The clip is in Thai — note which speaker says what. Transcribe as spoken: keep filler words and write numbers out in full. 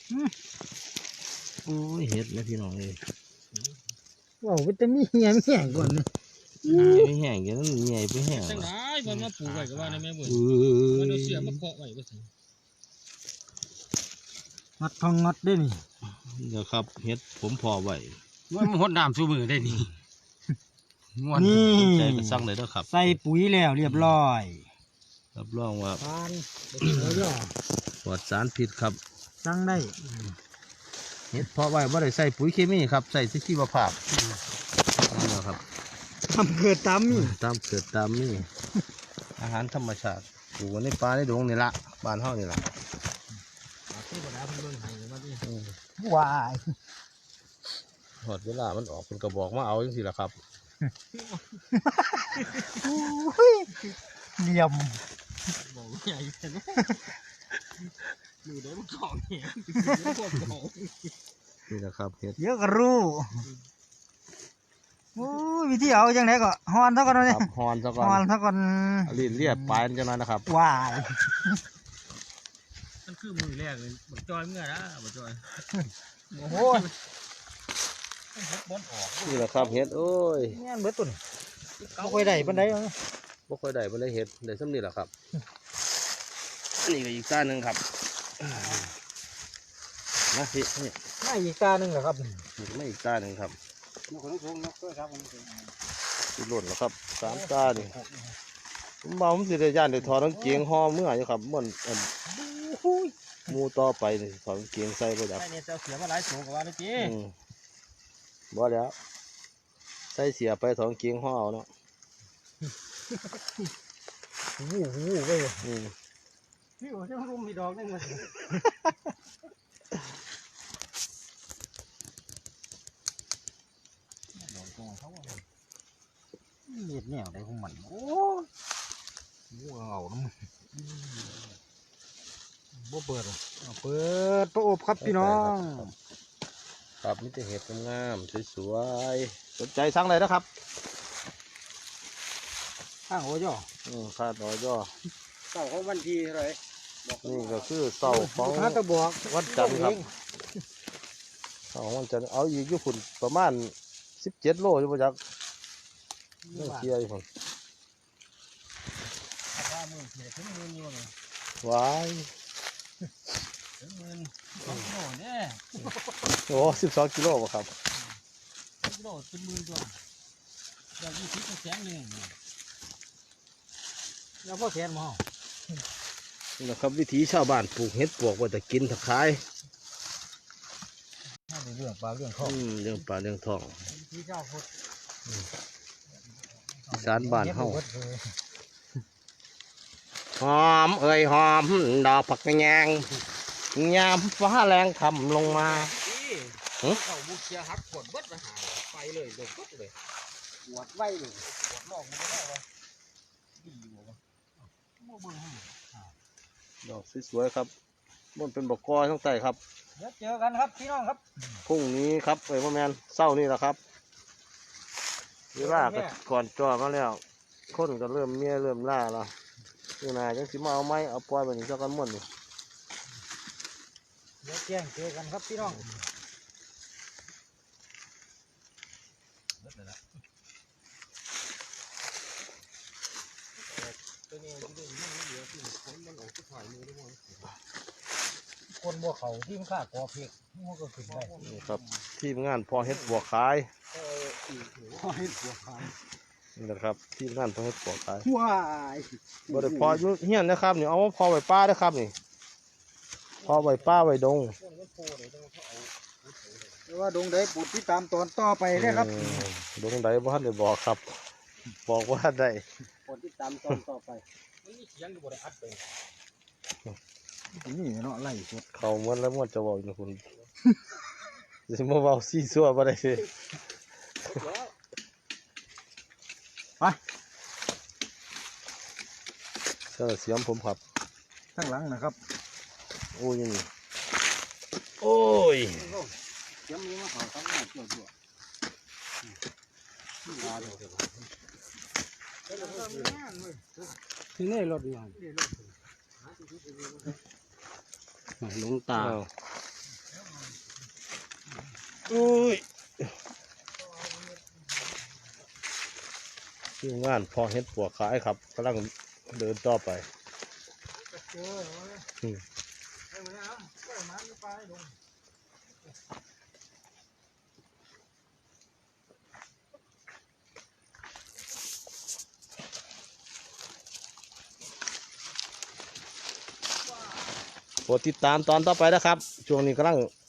Speaker 1: โอ้ยเห็ดนะพี่น้องเลย
Speaker 2: ว้าววิตามินเหี้ยไม่แห้งก่อนเลย
Speaker 1: ไม่แห้งอย่างนั้นใหญ่ไปแห้ง
Speaker 3: จังได้มันมาปลูกไว้ก็ว่าในแม่บุญ
Speaker 1: เอ
Speaker 3: มันเอา
Speaker 1: อ
Speaker 3: เสียมาเคาะไว้ก็สิ
Speaker 2: งัดทองงัดได้นี่
Speaker 1: เดี๋ยวครับเห็ดผมพอไว้
Speaker 3: มันหดน้ำสู้มือได้นี่
Speaker 2: นี่
Speaker 1: ใจกระซังเลยนะครับ
Speaker 2: ใส่ปุ๋ยแล้วเรียบร้อย
Speaker 1: รับรองว่า
Speaker 2: ทานแล้วย่อ
Speaker 1: ปลอดสารพิษครับ
Speaker 2: สั่งได้
Speaker 1: เห็ดเพาะไว้ไม่ได้ใส่ปุ๋ยเคมีครับใส่ที่ชีวภาพนี่นะครับ
Speaker 2: ทำเกิดตามนี่
Speaker 1: ตามเกิดตามนี่อาหารธรรมชาติปลูกในป่าในดงนี่ละบ้านเฮานี่ละ
Speaker 2: วาย
Speaker 1: หอดเวลามันออกเป็นกระบอกมาเอาจังสิละครับ
Speaker 2: เหลี่ยม
Speaker 3: บอกใหญ่เห็นไหมดูได้มันของเหี้ย
Speaker 1: นี่นะครับเห็ด
Speaker 2: เยอะก็รู้โอ้ยวิธีเอาจังไหนก็ฮอนเท่ากัน
Speaker 1: ค
Speaker 2: เลย
Speaker 1: รับฮอนซะก่อ
Speaker 2: ฮอน
Speaker 1: น
Speaker 2: เท่ากัน
Speaker 1: เอาลิ้นเลียบปลายมันจะน้อยนะครับ
Speaker 2: วาย
Speaker 3: มันคือมือแรกเลยบักจอยเมื่อนะบักจอย
Speaker 2: โอ้โห
Speaker 3: บอลออก
Speaker 1: นี่แหละครับเห็ดโอ้ย
Speaker 2: เนี่ยเบิดตุ่นไม่ค่อยได้ปานใดเอา
Speaker 1: บ่ค่อยได้บ่ได้เห็ดได้ซ้ำนี่แหละครับอันนี้ก็อีกต้านหนึ่งครับนะพี่นี่
Speaker 2: ไม่อีกตาหนึ่งเหรอครับ
Speaker 1: นี่ไม่อีกต้านหนึ่งครับ
Speaker 2: นกของทงนกด้วยครับ
Speaker 1: สิหล่นแล้วครับสามต้านี่ผมเมาผมสิได้ย่านได้ถอดกางเกงห่อเมื่ออยู่ครับมันอันหมูต่อไปนี่ถอดกางเกงใส่บ่ได้
Speaker 3: ไอ้เนี่ยจะเสียมาหลายสูงกว่านี่จี
Speaker 1: อืมบ่แล้วใส่เสียไปถอดกางเกงห่อเอาเนาะ
Speaker 2: วู้วู้ไป
Speaker 1: อืม
Speaker 2: พี่โอ้จะรุมมีดอกนึงเลยเน็ดแนวได้ของมันโอ้วู้เอาน้ำบ่เปิดหรอเปิดประอบครับพี่น้อง
Speaker 1: ครับมีแต่เห็ดงามๆสวยๆสนใจสั่งเลยนะครับ
Speaker 2: ข้างโอ้ย่อ
Speaker 1: อืมคาดน้อยย่อ
Speaker 2: เสาของวันทีเลย
Speaker 1: นี่ก็คือเสาของ
Speaker 2: ฮะตะบอก
Speaker 1: วันจันทร์ครับเสาของวันจันทร์เอาอีกอยู่ฝุ่นประมาณสิบเจ็ดโลอยู่ประจักษ์เรื่องเชียร์อยู่ฝุ่น
Speaker 3: ว่ามือเสียถึงมืออยู่เลย
Speaker 1: ว้าย
Speaker 3: ถึงมือสองโลเนี่ย
Speaker 1: โอ้สิบสองกิโลบ่ครับ
Speaker 3: โลถึงมือตัวเดี๋ยวยี่สิบแสนหนึ่ง
Speaker 2: แล้วพ่อแขนหมอ
Speaker 1: นี่นะครับวิถีชาวบ้านปลูกเห็ดปลวกไว้แต่กินถ้าขาย
Speaker 2: เรื่องปลาเรื่องข้อ
Speaker 1: อืมเรื่องปลาเรื่องทอง
Speaker 2: ที่เจ้าพุทธ
Speaker 1: อีสานบ้านเฮาหอมเอ่ยหอมดอกผักกระแยงยามฟ้าแรงทำลงมา
Speaker 3: เขาบุกเชียหักขวดเบิดไปหาไปเลยโดนเบิดเลย
Speaker 2: ปวดไว้เลย
Speaker 3: ขวดนอกมันก็ได้วะดีอยู่วะโม่เบิ่งให้
Speaker 1: ดอกสวยๆครับมันเป็นบกกอยทั้งใต้ครับ
Speaker 2: เดี๋ยวเจอกันครับพี่น้องครับ
Speaker 1: พรุ่งนี้ครับเอ้ยพ่อแมนเศร้านี่แหละครับเวลาก็ก่อนจอมาแล้วคนก็เริ่มเมียเริ่มล่าแล้วนี่นายจังสิมาเอาไม้เอาปล่อยแบบนี้สักกันหมดนี่
Speaker 2: เดี๋ยวแจ้งเจอกันครับพี่น้องคนบัวเขาที่มันฆ่ากอเพกมันก็ขึ้นได้
Speaker 1: นี่ครับทีมงานพอเฮ็ดบัวขาย
Speaker 2: พอให้บัวขาย
Speaker 1: นี่นะครับทีมงานพอเฮ็ดบัวขาย
Speaker 2: ว้าย
Speaker 1: บ่ได้พออยู่เฮียนนะครับนี่เอามาพอไว้ป้าเด้อครับนี่พอไว้ป้าไว้ดง
Speaker 2: แต่ว่าดงได้ปุดที่ตามตอนต่อไปได้ครับ
Speaker 1: อืมดงใดบ่ทันได้บอกครับ บอกว่าได้
Speaker 2: ปุดที่ตามตอนต่อไป
Speaker 3: มันมีเสียงอยู่บนอัดไป
Speaker 2: นี่เนาะไล่สุด
Speaker 1: เขาเหมือนแล้วมันจะบอกอยู่คุณสิมาเว้าซี่ซั่วบ่ได้สิ
Speaker 2: ไป
Speaker 1: เสื้อเสียมผมครับ
Speaker 2: ข้างหลังนะครับ
Speaker 1: โอ้ยนี่โอ้ย
Speaker 2: เสียมนี้มาเขาตั้งหน้าเกี่ยวตัวที่นี่รถอยู่
Speaker 3: หลงตา
Speaker 1: อ้าวอุ้ยทีมงานพอเห็ดปวกขายครับกำลังเดินต่อไป
Speaker 3: เจอ
Speaker 1: อื
Speaker 3: เว้ย
Speaker 1: ม
Speaker 3: ไอ้เหมือนน้ำไอ้มันไปลง
Speaker 1: โปรดติดตามตอนต่อไปนะครับ ช่วงนี้กำลัง